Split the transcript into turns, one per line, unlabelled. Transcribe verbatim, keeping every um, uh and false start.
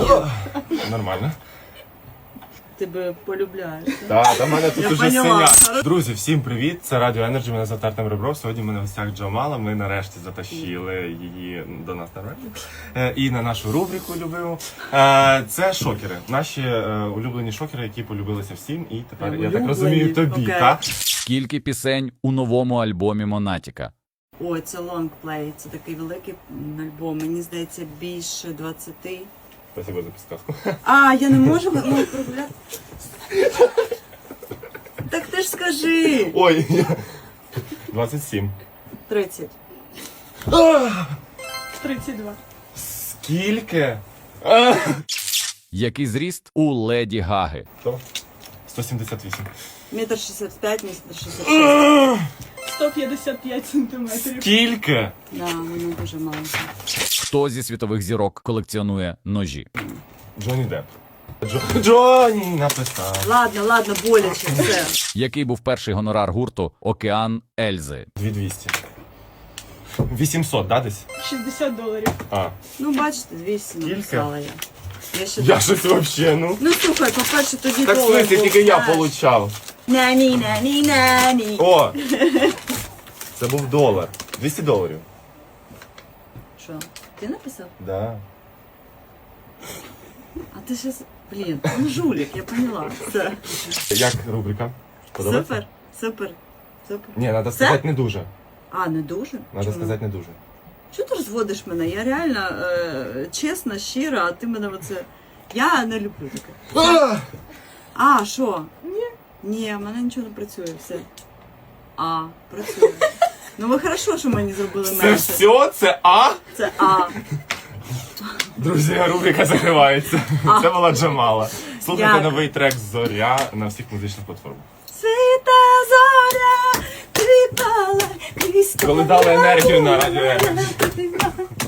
Нормально.
Тебе полюбляєш.
Так, та в мене тут
Я
уже
поняла.
синяк. Друзі, всім привіт! Це Радіо Енерджі, мене звати Артем Ребров. Сьогодні ми на гостях Джамала. Ми нарешті затащили її до нас на радіо. Е, І на нашу рубрику любиму. Е, Це шокери. Наші е, улюблені шокери, які полюбилися всім. І тепер, я так
Улюблені?
розумію, тобі,
Окей.
так?
Скільки пісень у новому альбомі Монатіка?
Ой, це лонгплей, це такий великий альбом. Мені здається, більше двадцяти.
Спасибо за підсказку.
А, я не можу ну, прогуляти. Так ти ж скажи.
Ой, я- двадцять сім.
тридцять.
тридцять два.
Скільки? А!
Який зріст у Леді Гаги?
Хто? сто сімдесят вісім.
Метр шістдесят п'ять, метр шістдесят шість.
сто п'ятдесят п'ять сантиметрів.
Скільки?
Да, воно дуже маленьке.
Хто зі світових зірок колекціонує ножі?
Джонні Депп. Джо... Джонні написав.
Ладно, ладно, боляче, все.
Який був перший гонорар гурту Океан Ельзи?
дві двісті. вісімсот, да, десь?
шістдесят доларів.
А.
Ну, бачите, двісті
Скільки?
написала я. Я ще
Я
так-
щось вообще, ну.
Ну, слухай, по-перше, тоді
Так в
долар
смысле,
був,
тільки я
знаєш.
получав.
Нані, нані, нані.
О! Це був долар. двісті доларів.
Що, ти написав?
Да.
А ти щас... Блін, ну жулік, я поняла. Все.
Як рубрика? Подобається?
Супер, супер, супер.
Ні, треба
Все?
сказати не дуже.
А, не дуже?
Треба
Чому?
сказати не дуже.
Чого ти розводиш мене? Я реально е, чесна, щира, а ти мене оце... Я не люблю таке.
А!
А, що? Ні. Ні, в мене нічого не працює, все. А, працює. Ну ви хорошо, що мені зробили
Це
менше.
все? Це А?
Це А.
Друзі, рубрика закривається. Це була Джамала. Слухайте
Дякую.
новий трек «Зоря» на всіх музичних платформах.
Світа зоря, кріпала, крізь
Коли дали енергію на радіо Енерджі.
Енерджі.